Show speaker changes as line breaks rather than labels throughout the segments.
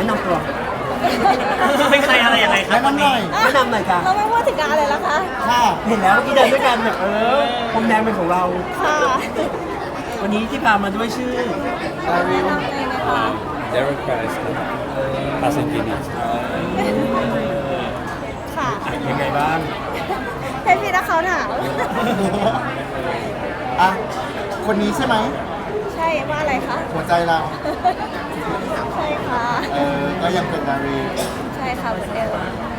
นำตัวเป็นใครอะไรยังไงครับวันนี้แนะนำหน่อยค่ะ
เราไม่พูดถึงงานเลยละคะ
ค่ะเห็นแล้วเมื่อกี้เดินด้วยกันแบบพรมแดงเป็นของเรา
ค่ะ
วันนี้ที่พามาด้วยชื่อ
แนะนำเลยนะคะ
Derek Price ครับพาเซนตินี
ค่ะ
ยังไงบ้าง
ให้พี่นักเขาถาม
อ่ะคนนี้ใช่ไหม
ใช่ว่าอะไรคะ
หัวใจเรา
ใช่ค่ะ
ก็ยังเป็นนารี
ใช่ค่ะเหมือนเดิม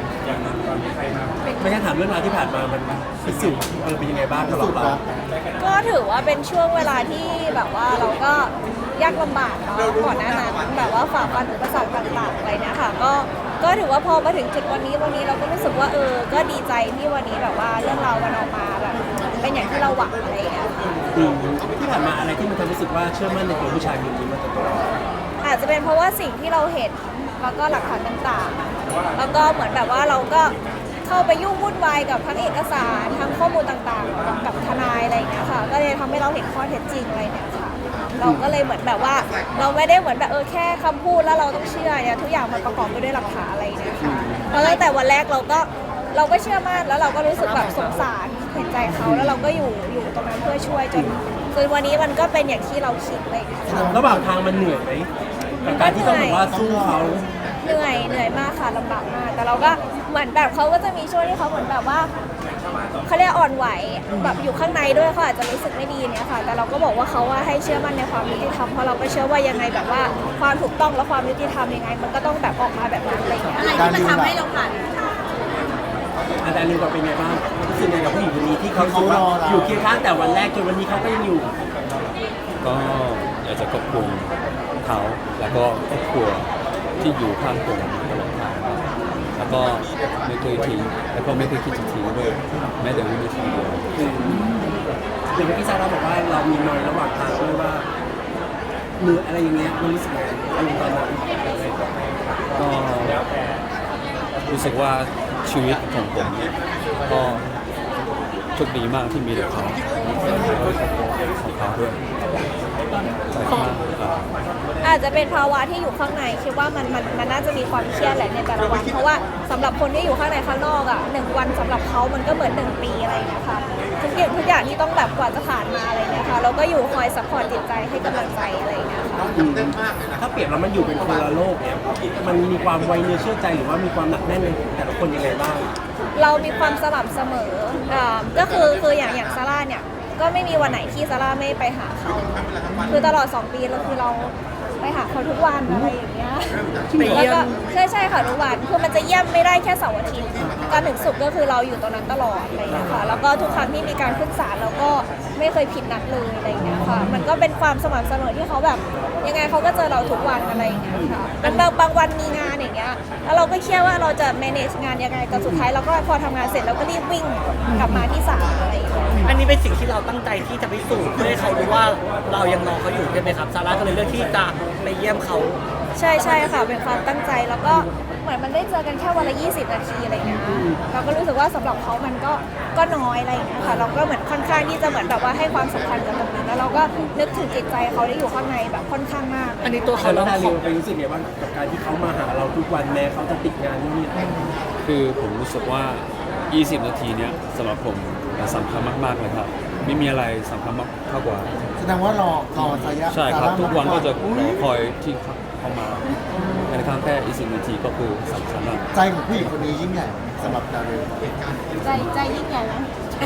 ไม่ใช่ถามเรื่องราวที่ผ่านมามันพิสูจน์เป็นยังไงบ้างสำหรับเรา
ก็ถือว่าเป็นช่วงเวลาที่แบบว่าเราก็ยากลำบากเนาะก่อนหน้านั้นแบบว่าฝ่าฟันอุปสรรคต่างๆอะไรเนี่ยค่ะก็ถือว่าพอมาถึงจุดวันนี้เราก็รู้สึกว่าก็ดีใจที่วันนี้แบบว่าเรื่องราวมันออกมาแบบเป็นอย่างที่เราหวังอะไรอย่างเงี้ยค่ะ
ที่ผ่านมาอะไรที่มันทำให้รู้สึกว่าเชื่อมั่นในตัวผู้ชายคนนี้มาตลอด
อาจจะเป็นเพราะว่าสิ่งที่เราเห็นแล้วก็หลักฐานต่างๆแล้วก็เหมือนแบบว่าเราก็เข้าไปยุ่งวุ่นวายกับทั้งเอกสารทั้งข้อมูลต่างๆกับทนายอะไรอย่างเงี้ยค่ะก็เลยทำให้เราเห็นข้อเท็จจริงอะไรเนี่ยค่ะเราก็เลยเหมือนแบบว่าเราไม่ได้เหมือนแบบแค่คำพูดแล้วเราต้องเชื่อเนี่ยทุกอย่างมันประกอบไปด้วยหลักฐานอะไรเนี่ยค่ะแล้วตั้งแต่วันแรกเราก็เชื่อมั่นแล้วเราก็รู้สึกแบบสงสารเห็นใจเขาแล้วเราก็อยู่ตรงนั้นเพื่อช่วยจนวันนี้มันก็เป็นอย่างที่เราคิดเลยค่ะ
ระหว่างทางมันเหนื่อยไหมกับการที่ต้องแบบว่าสู้เขา
เหนื่อยมากค่ะลำบากมากแต่เราก็เหมือนแบบเขาก็จะมีช่วงที่เขาเหมือนแบบว่าเขาเรียกอ่อนไหวแบบอยู่ข้างในด้วยเขาอาจจะรู้สึกไม่ดีเนี่ยค่ะแต่เราก็บอกว่าเขาว่าให้เชื่อมั่นในความยุติธรรมเพราะเราก็เชื่อว่ายังไงแบบว่าความถูกต้องและความยุติธรรมยังไงมันก็ต้องแบบออกมาแบบนั้นอะไรอย่างเงี้ย
การดิวแบบ
อาจารย์ลืมว่าเป็นไงบ้างรู้สึกไงกับผู้หญิงคนนี้ที่เขารู้สึกว่าอยู่เคียงข้างแต่วันแรกจนวันนี้เขาก็ยังอยู่
ก็อยากจะขอบคุณเขาแล้วก็ครอบครัวที่อยู่ข้างผมตลอดทางครับแล้วก็ไม่เคยทิ้งแล้วก็ไม่เคยคิดจะทิ้งด้วยแม้แต่วินาทีเดียว
อย่างเมื่อกี้ซาร่าบอกว่าเรามีนอยระหว่างทางด้วยว่ามืออะไรอย่างเงี้ยมันรู้สึกไงอารมณ์ตอนนั้น
ก็รู้สึกว่าชีวิตของผมก็โชคดีมากที่มีแต่เขาแล้วก็ของเขาด้วยใจมากครับ
อาจจะเป็นภาวะที่อยู่ข้างในคิดว่ามันน่าจะมีความเครียดแหละในแต่ละวันเพราะว่าสำหรับคนที่อยู่ข้างในข้างนอกอ่ะ1 วันสำหรับเขามันก็เหมือน1 ปีอะไรอย่างเงี้ยค่ะทุกอย่างที่ต้องแบบกว่าจะผ่านมาอะไรเงี้ยค่ะเราก็อยู่คอยซัพพอร์ตจิตใจให้กำลังใจอะไรอย่างเงี้ยค่ะ
ถ้าเปรียบแล้วมันอยู่เป็นคนละโลกเนี่ยมันมีความไวเนื้อเชื่อใจหรือว่ามีความหนักแน่นในแต่ละคนยังไงบ้าง
เรามีความสม่ำเสมอก็คืออย่างซาร่าเนี่ยก็ไม่มีวันไหนที่ซาร่าไม่ไปหาเขาคือตลอด2 ปีเราคือเราไปหาเขาทุกวันอะไรอย่างเงี้ยแล้วก็ใช่ค่ะทุกวันคือมันจะเยี่ยมไม่ได้แค่เสาร์อาทิตย์จันทร์ถึงศุกร์ก็คือเราอยู่ตรงนั้นตลอดอะไรอย่างเงี้ยค่ะแล้วก็ทุกครั้งที่มีการขึ้นศาลเราก็ไม่เคยผิดนัดเลยอะไรอย่างเงี้ยค่ะมันก็เป็นความสม่ำเสมอที่เขาแบบยังไงเขาก็เจอเราทุกวันอะไรอย่างเงี้ยค่ะบางวันมีงานอย่างเงี้ยแล้วเราก็เครียดว่าเราจะ manage งานยังไงแต่สุดท้ายเราก็พอทำงานเสร็จเราก็รีบวิ่งกลับมาที่ศาลอะไรอย่างเงี้ย
อันนี้เป็นสิ่งที่เราตั้งใจที่จะพิสูจน์เพื่อให้เขารู้ว่าเรายังรอเขาอยู่ใช่ไหมครับซาร่าก็เลยเลือกที่จะไปเยี่ยมเขา
ใช่ค่ะเป็นความตั้งใจแล้วก็เหมือนมันได้เจอกันแค่วันละ20 นาทีอะไรเงี้ยเราก็รู้สึกว่าสำหรับเขามันก็น้อยอะไรอย่างเงี้ยค่ะเราก็เหมือนค่อนข้างที่จะเหมือนแบบว่าให้ความสำคัญกับตรงนี้แล้วเราก็นึกถึงจิตใจเขาที่อยู่ข้างในแบบค่อนข้างมาก
อันนี้ตัวเขา
แล้
เรา
วดา
ข
ริ
อ
วไปรู้สึกไงบ้างกับการที่เขามาหาเราทุกวันแม้เขาจะติดงานนี่
คือผมรู้สึกว่า 20 นาทีเนี้ยสำหรับผมสำคัญมากๆเลยครับไม่มีอะไรสำคัญมากเท่ากว่า
แสดงว่ารอระยะ
ใช่ครับ ทุกวันก็จะร
อุ๊
อย คอยที่เข้ามาในครั้งแค่20 นาทีก็คือสำคัญมาก
ใจของผู้หญิงคนนี้ยิ่งใหญ่สำหรับดาริว
ใจยิ่งใหญ่ไหม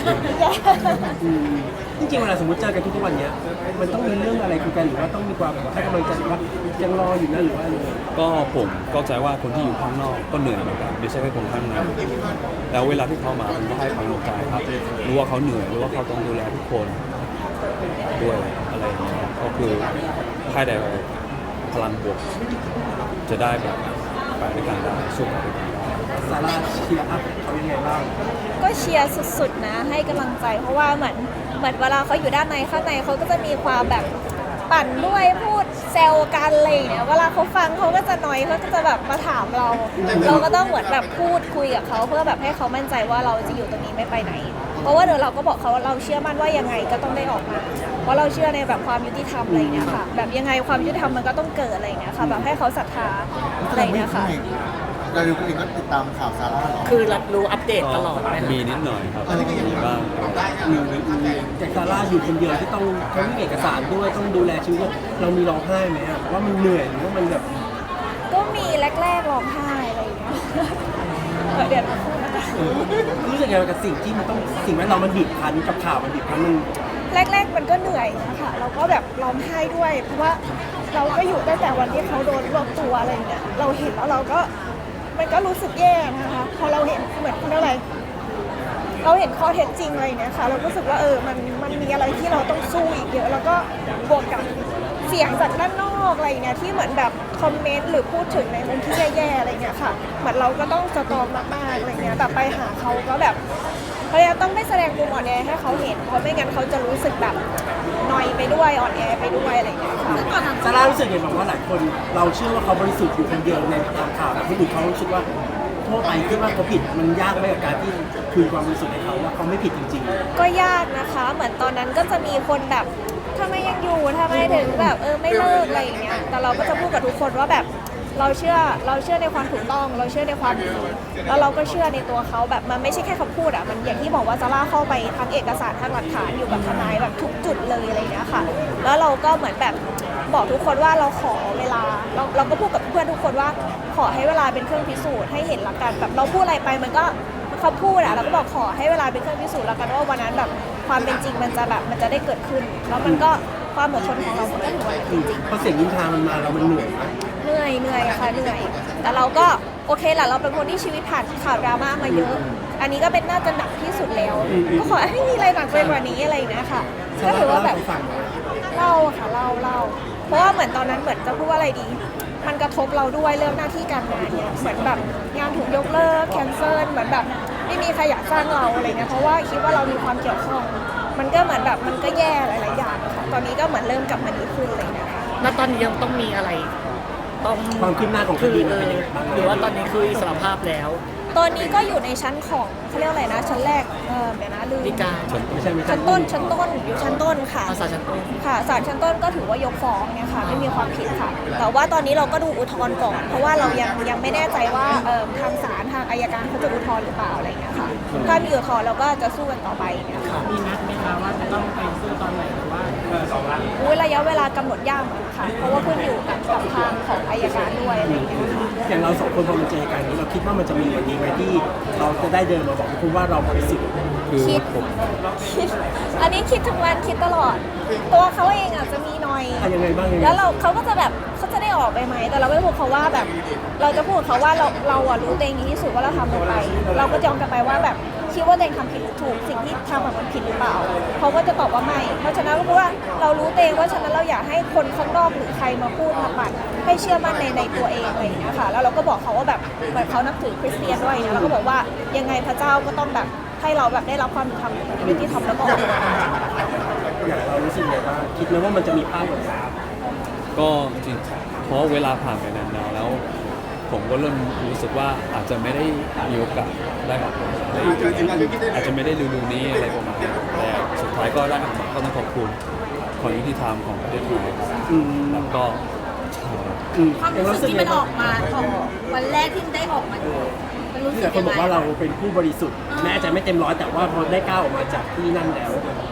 จริงๆเวลาสมมติเจอกันทุกๆวันเนี้ยมันต้องมีเรื่องอะไรคุยกันหรือว่าต้องมีความให้กำลังใจว่ายังรออยู่นะหรือว่าอะไร
ก็ผมเข้าใจว่าคนที่อยู่ข้างนอกก็เหนื่อยเหมือนกันไม่ใช่แค่คนข้างในแล้วเวลาที่เขามาผมก็ให้กำลังใจครับรู้ว่าเขาเหนื่อยรู้ว่าเขาต้องดูแลทุกคนด้วยอะไรอย่างเงี้ยก็คือให้ได้พลังบวกจะได้แบบไปด้วยกันได้สู้ไปด้วยกันได้
ซาร่าเชียร์อัพเขายังไงบ้าง
ก็เชียร์สุดๆนะให้กำลังใจเพราะว่าเหมือนเวลาเขาอยู่ด้านในข้างในเขาก็จะมีความแบบปั่นด้วยพูดแซวกันอะไรอย่างเลยเวลาเขาฟังเขาก็จะนอยเขาก็จะแบบมาถามเราก็ต้องเหมือนแบบพูดคุยกับเขาเพื่อแบบให้เขามั่นใจว่าเราจะอยู่ตรงนี้ไม่ไปไหนเพราะว่าเดี๋ยวเราก็บอกเขาว่าเราเชื่อมั่นว่ายังไงก็ต้องได้ออกมา เพราะเราเชื่อในแบบความยุติธรรมอะไรอย่างเงี้ยค่ะ แบบยังไงความยุติธรรมมันก็ต้องเกิดอะไรอย่างเงี้ยค่ะ แบบให้เขาศรัทธาอะไรอย่างเงี้ยค่ะ
ดาริวเองก็ติดตามข่าวซาร่าเหรอ
คือรับรู้อัปเดตตลอดไหมครับ
มีนิดหน่อยครับมีบ้าง
แต่ซาร่าอยู่คนเดียวที่ต้องทั้งเอกสารด้วยต้องดูแลชีวิตเรามีร้องไห้ไหมอะว่ามันเหนื่อยหรือว่ามันแบบ
ก็มีแรกๆร้องไห้อะไรอย่างเงี้ยเดี๋ยวเราพูดนะคะ
รู้สึกยังไงกับสิ่งที่มันต้องสิ่งแวดล้อมมันบีบคั้นกับข่าวมันบีบคั้นมัน
แรกๆมันก็เหนื่อยนะคะเราก็แบบร้องไห้ด้วยเพราะว่าเราก็อยู่ตั้งแต่วันที่เขาโดนรวบตัวอะไรอย่างเงี้ยเราเห็นแล้วเราก็มันก็รู้สึกแย่นะคะพอเราเห็นเหมือนเขาเรียกอะไรเราเห็นข้อเท็จจริงอะไรอย่างเงี้ยค่ะเราก็รู้สึกว่ามันมีอะไรที่เราต้องสู้อีกเยอะแล้วก็บวกกับเสียงจากด้านนอกอะไรอย่างเงี้ยที่เหมือนแบบคอมเมนต์หรือพูดถึงในมุมที่แย่ๆอะไรอย่างเงี้ยค่ะเหมือนเราก็ต้องสตรองมากๆอะไรอย่างเงี้ยแต่ไปหาเขาก็แบบพยายามต้องไม่แสดงมุมอ่อนแอให้เขาเห็นเพราะไม่งั้นเขาจะรู้สึกแบบนอยไปด้วยอ่อนแอไปด้วยอะไรอย่างเงี้ยค่ะ
ซาร่ารู้สึกยังไงบอกว่าหลายคนเราเชื่อว่าเขาบริสุทธิ์อยู่คนเดียวในตามข่าวแต่คนอื่นเขารู้สึกว่าทั่วไปคิดว่าเขาผิดมันยากไหมกับการที่คืนความบริสุทธิ์ให้เขาว่าเขาไม่ผิดจริงๆ
ก็ยากนะคะ เหมือนตอนนั้นก็จะมีคนแบบทำไมยังอยู่ทำไมถึงแบบไม่เลิกอะไรอย่างเงี้ย แต่เราก็จะพูดกับทุกคนว่าแบบเราเชื่อในความถูกต้อง เราเชื่อในความดีแล้วเราก็เชื่อในตัวเขาแบบมันไม่ใช่แค่คำพูดอ่ะ มันอย่างที่บอกว่าซาร่าเข้าไปทั้งเอกสารทั้งหลักฐานอยู่กับทนายแบบทุกจุดเลยอะไรอย่างเงี้ยค่ะ แล้วเราก็เหมือนแบบบอกทุกคนว่าเราขอเวลา เราก็พูดกับเพื่อนทุกคนว่าขอให้เวลาเป็นเครื่องพิสูจน์ให้เห็นละกันแบบเราพูดอะไรไปมันก็เขาพูดอะเราก็บอกขอให้เวลาเป็นเครื่องพิสูจน์แล้วกันว่าวันนั้นแบบความเป็นจริงมันจะได้เกิดขึ้น แล้วมันก็ความอดทนของเรามันก็ถือว่าเป็นจริง
เพราะเสียงนินทามันมาแล้วมันเหนื่อยนะ
เหนื่อยค่ะเหนื่อย แต่เราก็โอเคแหละเราเป็นคนที่ชีวิตผ่านข่าวดราม่ามาเยอะ อันนี้ก็เป็นน่าจะหนักที่สุดแล้วก็ขอให้มีอะไรหนักไปกว่านี้อะไรอย่างเงี้ยค่ะก็ถือว่าแบบ
ให้ฟังหน่อย
เล่าค่ะเล่าเพราะว่าเหมือนตอนนั้นเหมือนจะพูดว่าอะไรดี มันกระทบเราด้วยเรื่องหน้าที่การงานเนี่ยเหมือนแบบงานถูกยกเลิกแคนเซิลเหมือนแบบไม่มีใครอยากจ้างเราอะไรเงี้ยเพราะว่าคิดว่าเรามีความเกี่ยวข้องมันก็เหมือนแบบมันก็แย่หลายๆอย่างค่ะตอนนี้ก็เหมือนเริ่มกลับมาดีขึ้นอะไรเลยนะคะ
แล้วตอนนี้ยังต้องมีอะไรต้อง
ความคืบหน้าของคดีมันเป็นยังไงบ้าง
หรือว่าตอนนี้คืออิสรภาพแล้ว
ตอนนี้ก็อยู่ในชั้นของเขาเรียกอะไรนะชั้นแรกเดี๋ยวนะลืม
ฎีกา
ไม่ใช่ไม่ใช่
ชั้นต้นอยู่ชั้นต้นค่ะ
ภาษาชั้นต้น
ค่ะศาลชั้นต้นก็ถือว่ายกฟ้องเนี่ยค่ะไม่มีความผิดค่ะ แต่ว่าตอนนี้เราก็ดูอุทธรณ์ก่อน เพราะว่าเรายังไม่แน่ใจว่าทางศาลทางอัยการเขาจะอุทธรณ์หรือเปล่าอะไรอย่างเงี้ยค่ะถ้ามีอุทธรณ์เราก็จะสู้กันต่อไปเนี่ยค่ะ
มีนัดไหมคะว่าจะต้องไปสู้ตอนไหนหรือว่า
ระยะเวลากำหนดยากเหมือนกันค่ะ เพราะว่าขึ้นอยู่กับทางของอัยการด้วยอะไรอย่างเงี้ยค่ะ
อย่างเราสองคนพอมาเจอกันนี้เราคิดว่ามันจะมีวันนี้ไหมที่เราจะได้เดินมาบอกคุณว่าเราบริสุทธิ์
คือ
คิด
ผม
อันนี้คิดทุกวันคิดตลอด ตัวเขาเองอาจจะมีหน่อย
ยังไงบ้างยังไง
แล้วเขาก็จะแบบเขาจะได้ออกไปไหมแต่เราไม่พูดเขาว่าแบบ เราจะพูดกับเขาว่าเราอะรู้ตัวเองดีที่สุดว่าเราทำลงไป เราก็จะยอมกลับไปว่าแบบคิดว่าตัวเองทำผิดหรือถูกสิ่งที่ทำมันผิดหรือเปล่าเขาก็จะตอบว่าไม่ เพราะฉะนั้นก็คือว่าเรารู้ตัวเองว่าฉะนั้นเราอยากให้คนข้างนอกหรือใครมาพูดมาปั่นให้เชื่อมั่นในตัวเองอะไรอย่างเงี้ยค่ะแล้วเราก็บอกเขาว่าแบบเหมือนเขานับถือคริสเตียนด้วยนะเราก็บอกว่ายังไงพระเจ้าก็ต้องแบบให้เราแบบได้รับความยุติธรรมแล้วก็ออกมา
อย่างเรารู้สึกยังไงบ้างคิดไหมว่ามันจะมีภาพแบบนี้
ก็จริงเพราะเวลาผ่านไปนานๆแล้ว ผมก็เริ่มรู้สึกว่าอาจจะไม่ได้มีโอกาสได้ออกมาอาจจะไม่ได้ดูนี้อะไรประมาณนี้แต่สุดท้ายก็ได้ออกมาก็ต้องขอบคุณความยุติธรรมของประเทศไทยแล้วก็
ความรู้สึกที่มันออกมาของวันแรกที่ได้ออกมามันรู้สึก
แต่คน
ยัง
บอก
ไง
ว่าเราเป็นผู้บริสุทธิ์แม้อาจจะไม่เต็มร้อยแต่ว่าพอได้ก้าวออกมาจากที่นั่นแล้ว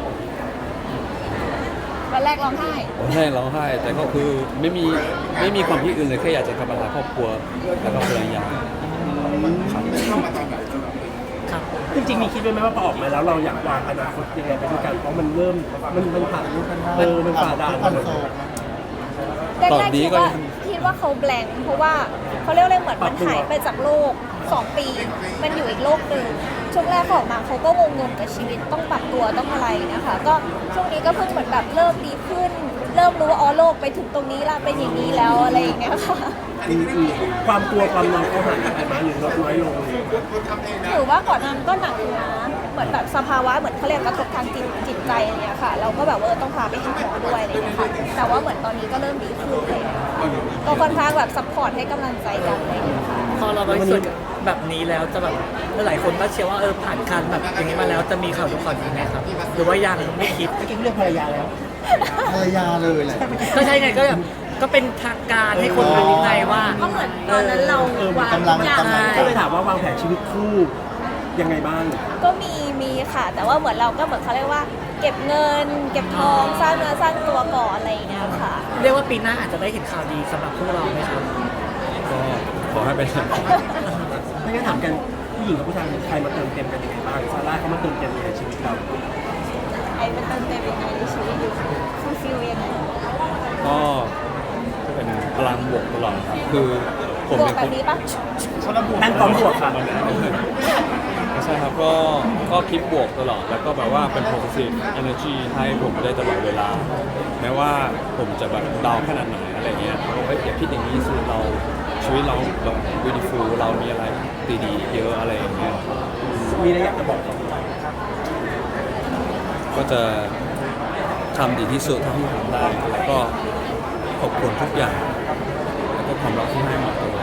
วันแรกร้องไห้
ผมให้ร้องไห้แต่ก็คือไม่มีความคิดอื่นเลยแค่อยากจะกลับมาหาครอบครัวแล้วก็ภรรยาครับ
ครับ
จริงๆมีคิดไว้ไหมว่าพอออกมาแล้วเราอยากวางอนาคตยังไงไปด้วยกันเพราะมันเริ่มมันผ่านมันฝ่าด่าน
คอนโซล
แรกๆคิดว่าเขาแบงค์เพราะว่าเขาเรียกอะไรเหมือนมันหายไปจากโลก 2 ปี มันอยู่อีกโลกหนึ่งช่วงแรกเขาออกมาเขาก็งงๆกับชีวิตต้องปรับตัวต้องอะไรนะคะก็ช่วงนี้ก็เพิ่งเหมือนแบบเริ่มดีขึ้น เริ่มรู้ว่าอ๋อโลกไปถึงตรงนี้ละเป็นอย่างนี้แล้วอะไรอย่างเงี้ยค่ะ
ความกลัวความนอยเขาหายไปไหมหรือลดน้อยลง
ถือว่าก่อนหนานั้นก็หนักอยู่นะเหมือนแบบสภาวะเหมือนเขาเรียกกระทบทางจิตใจอะไรเงี้ยค่ะ เราก็แบบต้องพาไปหาหมอด้วยอะไรเงี้ยค่ะแต่ว่าเหมือนตอนนี้ก็เริ่มดีขึ้นเลยก็ค่อนข้างแบบซัพพอร์ตให้กำลังใจกันอะไรเงี้ยค่ะ
พอเราบริสุทธิ์แบบนี้แล้วจะแบบหลายคนก็เชื่อว่าผ่านการแบบอย่างนี้มาแล้วจะมีข่าวทุกข่าวดีไหมครับหรือว่ายังไม่คิด
เมื่อกี้เรื่องภรรยาแล้ว
ภรรยาเลยแหละ
ก็ใช่ไงก็แบบก็เป็นทางการให้คนรู้ไงว่า
ก็เหมือนตอนนั้นเราวาง
กำลัง
ทุอย่าง
กำลัง
ก็เลยถามว่าวางแผนชีวิตคู่ยังไงบ้าง
ก็มีค่ะ แต่ว่าเหมือนเราก็เหมือนเขาเรียกว่า เก็บเงิน เก็บทองสร้างเนื้อสร้างตัวก่อนอะไรอย่างเงี้ยค่ะ
เรียกว่าปีหน้าอาจจะได้เห็นข่าวดีสำหรับพวกเราไหมครับ
ก็ขอให้เป็น
ไม่งั้นถามกันผู้หญิงกับผู้ชายใครมาเติมเต็มกันยังไงบ้างซาร่าเขามาเติมเต็มในชีวิตเรา
ไอ้เป็นเติมเต็มยังไงในชีวิตอยู่ฟูลฟิลยังไง
ก็เป็นพลังบวกตลอดครับคือผม
บว
เป็
ก
นคน
แบบนี้ปะ
นั่งพร้อมบวกค่ะ
ไม่ใช่ครับก็คิดบวกตลอดแล้วก็แบบว่าเป็น positive energy ให้ผมได้ตลอดเวลา แม้ว่าผมจะแบบดาวขนาดไหนอะไรเงี้ยเฮ้ยอย่าคิดอย่างนี้สิชีวิตเราแบบ beautiful เรามีอะไรดีๆเยอะอะไรอย่างเงี้ย
มีอะไรอยากจะบอกเขา
ก็จะทำดีที่สุดเท่าที่ทำได้ แล้วก็ขอบคุณทุกอย่าง แล้วก็ความรักที่ให้มาตลอด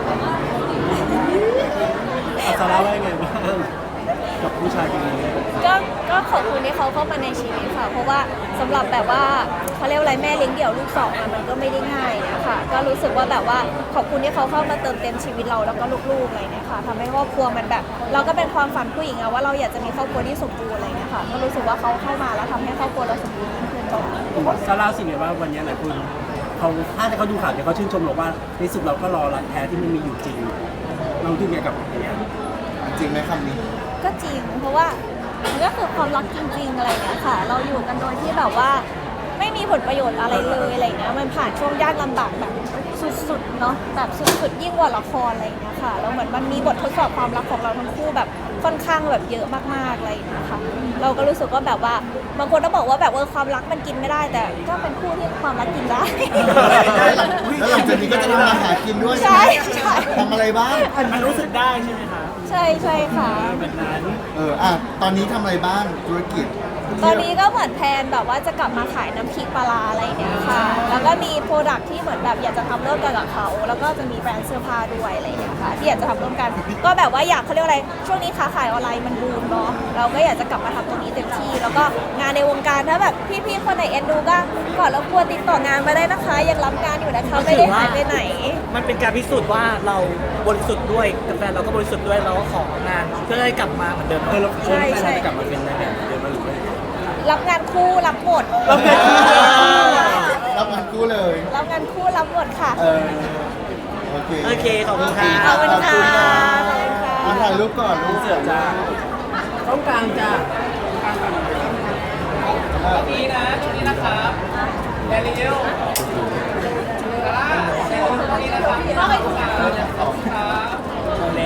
ซาร่าว่ายังไงบ้างกับผู้ชายคนนี้
ก็ขอบคุณที่เขาเข้ามาในชีวิตค่ะ เพราะว่าสำหรับแบบว่าเขาเรียกว่าอะไรแม่เลี้ยงเดี่ยวลูกสองอะมันก็ไม่ได้ง่ายนะคะก็รู้สึกว่าแบบว่าขอบคุณที่เขาเข้ามาเติมเต็มชีวิตเราแล้วก็ลูกๆอะไรเนี่ยค่ะทำให้ครอบครัวมันแบบ เราก็เป็นความฝันผู้หญิงอะว่าเราอยากจะมีครอบครัวที่สมบูรณ์อะไรเนี่ยค่ะก็รู้สึกว่าเขาเข้ามาแล้วทำให้ครอบครัวเราสมบูรณ์ยิ่งขึ้น
ซาร่าสิ่งไหนว่าวันนี้หลายคนเขาถ้าเขาดูข่าวเนี่ยเขาชื่นชมเราว่าในสุดเราก็รอรักแท้ที่มันมีอยู่จริง เราดูไงกับอย่างเงี้ย
จริงไหมคำนี้
ก็จริงเพราะว่ามันก็คือความรักจริงๆอะไรเงี้ยค่ะ เราอยู่กันโดยที่แบบว่าไม่มีผลประโยชน์อะไรเลยอะไรเงี้ยมันผ่านช่วงยากลำบากแบบสุดๆเนาะแบบสุดๆยิ่งกว่าละครอะไรเงี้ยค่ะแล้วเหมือนมันมีบททดสอบความรักของเราทั้งคู่แบบค่อนข้างแบบเยอะมากๆอะไรเงี้ยค่ะเราก็รู้สึกว่าแบบว่าบางคนก็บอกว่าแบบความรักมันกินไม่ได้แต่ก็เป็นคู่ที่ความรักกินได้
แล้วหลังจากนี้ก็จะทำมาหากินด้วย
ใช่ใช่
ทำอะไรบ้าง
มันรู้สึกได้ใช่ไหมคะ
ใช่ใช่ค่ะ
แบบนั้น
ตอนนี้ทำอะไรบ้างธุรกิจ
ตอนนี้ก็เหมือนแพลนแบบว่าจะกลับมาขายน้ำพริกปลาร้าอะไรเนี่ยค่ะ แล้วก็มีโปรดักที่เหมือนแบบอยากจะทำร่วมกันกับเขา แล้วก็จะมีแบรนด์เสื้อผ้าด้วยอะไรอย่างเงี้ยค่ะที่อยากจะทำร่วมกัน ก็แบบว่าอยากเขาเรียกว่าอะไร ช่วงนี้ค้าขายออนไลน์มันบูมเนาะ เราก็อยากจะกลับมาทำตรงนี้เต็มที่ แล้วก็งานในวงการถ้าแบบพี่ๆคนไหนเอ็นดูก็ก่อนรบกวนติดต่องานมาได้นะคะ ยังรับงานอยู่นะคะไม่ได้หายไปไหน
มันเป็นการพิสูจน์ว่าเราบริสุทธิ์ด้วยแต่แฟนเราก็บริสุทธิ์ด้วยเราก็ของานเพื่อให้กลับมาเหมือนเดิม
เรา
ใช่ใช่
จะกลับมาเป็นนายแบบเดิมไหมหรือว่า
รับงานคู่รับหมด
รับงานคู่
รับงานกู้เลย
รับงานคู่รับหมดค่ะ
โอเค
โอเคขอบคุณค่ะ
ขอบคุณค่ะขอบคุณค่ะ
มาถ่ายรูปก่อนรูป
เสือจ้าต้องกลางจ้า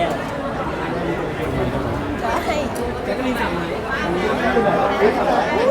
ใช่
แจ็คกะลีนสั่งไหม
อุ๊ย